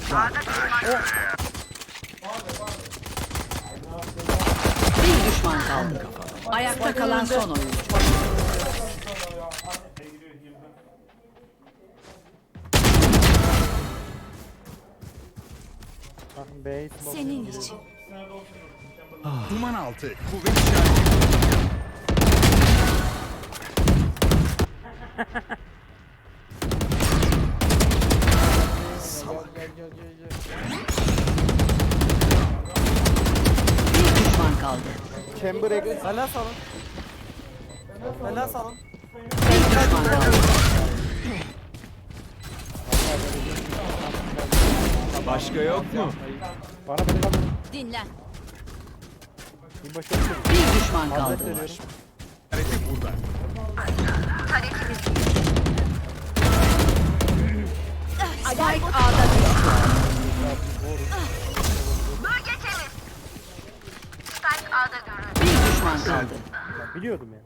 düşman. Bir düşman kaldı. Ayakta kalan son oyuncu. Senin için. Duman altı. Kuvvet işareti. Bir düşman kaldı. Chamber X. Hala salın. Hala salın. Bir düşman kaldı. Başka yok mu? Bana bak. Dinlen. Bir başarı. Bir düşman kaldı. Hazret veriyorum. İşareti burada. Spike A'da düştü. Bir düşman kaldı. Biliyordum ya.